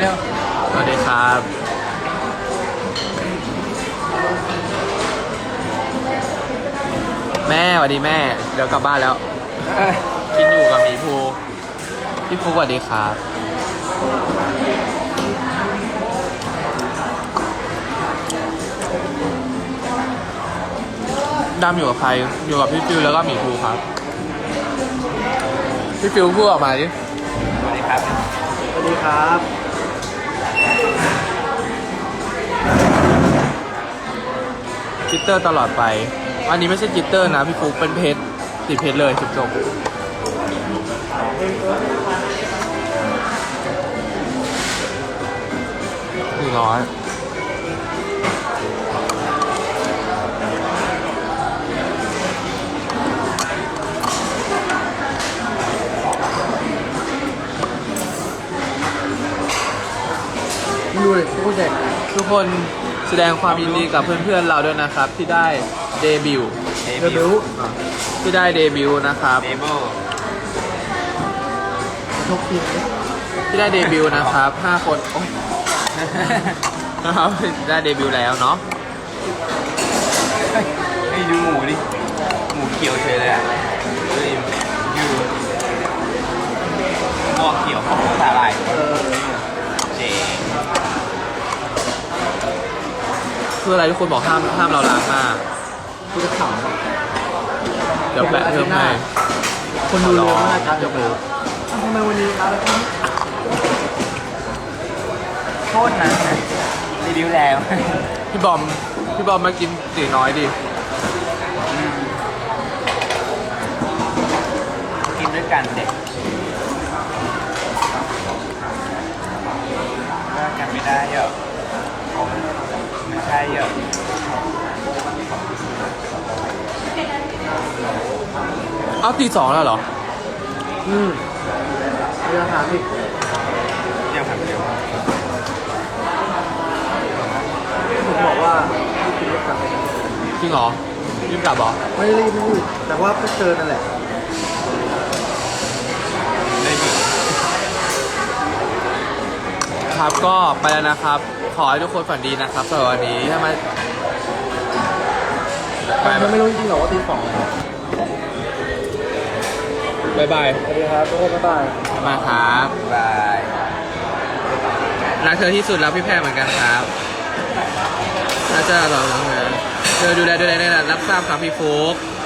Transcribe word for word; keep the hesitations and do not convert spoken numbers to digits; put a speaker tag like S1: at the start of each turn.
S1: ร็วสวัสดีครับแม่สวัสดีแม่เดี๋ยวกลับบ้านแล้วกินอยู่กับหมีภูพี่ภูสวัสดีครับดำอยู่กับใครอยู่กับพี่ฟิวแล้วก็หมีภูครับพี่ฟิวพูดออกมาดิสวัสดีครับ
S2: สวัสดีครับ
S1: จิตเตอร์ตลอดไปอันนี้ไม่ใช่จิตเตอร์นะพี่ฟุกเป็นเพชรติดเพชรเลยจบจบหนึ่งร้อย
S2: ดูเลยทุกคน
S1: ทุกคนแสดงความยินดีกับเพื่อนๆเราด้วยนะครับที่ได้เดบิวต์
S2: เดบิวต์
S1: ที่ได้เดบิวต์นะครับ
S2: เดบิวต์ทุกทีม
S1: ที่ได้เดบิวต์นะครับห้าคนโอ้ยนะครับได้เดบิวต์แล้วเนาะ
S2: ให้ดูหมูดิหมูเขียวเฉยเลยอ่ะดูหม้อเขียวหม้อสาหร่ายเจ๋ง
S1: คืออะไรทุกคนบอกห้ามห้ามเราล้างหน้า
S2: คือจะขำ
S1: เดี๋ยวแปะเพิ่มให้
S2: คนดูเยอะมากครับยกมือทำไมวันนี้อะไรครับโทษนะรีวิวแล้ว
S1: พี่บอมพี่บอมมากินตีน้อยดิ
S2: กินด้วยกันเด็กว่ากันไม่ได้เหรอไม่ใช่เหรอ
S1: เอาตีสองแล้วเหรอ
S2: อืมเรือหาพี่ยังผ่านไปเร็วผมบอกว่าพี่รีบกลับไปกัน
S1: จริงเหรอรีบกลับเหรอ
S2: ไม่รีบไม่รีบแต่ว่าเพิ่งเจอนั่นแหละ
S1: ครับก็ไปแล้วนะครับขอให้ทุกคนฝันดีนะครับสำหรับวันนี้ถ้ามา
S2: มันไม่รู้จริงๆหรอว่าตีสอง
S1: บายบาย
S2: สวัสดีครับทุกคนบ๊ายบาย
S1: มาครับบายรักเธอที่สุดแล้วพี่แพรเหมือนกันครับน่าจะหล่อเหลือเธอดูแลดูแลได้รับทราบครับพี่ฟุ๊ก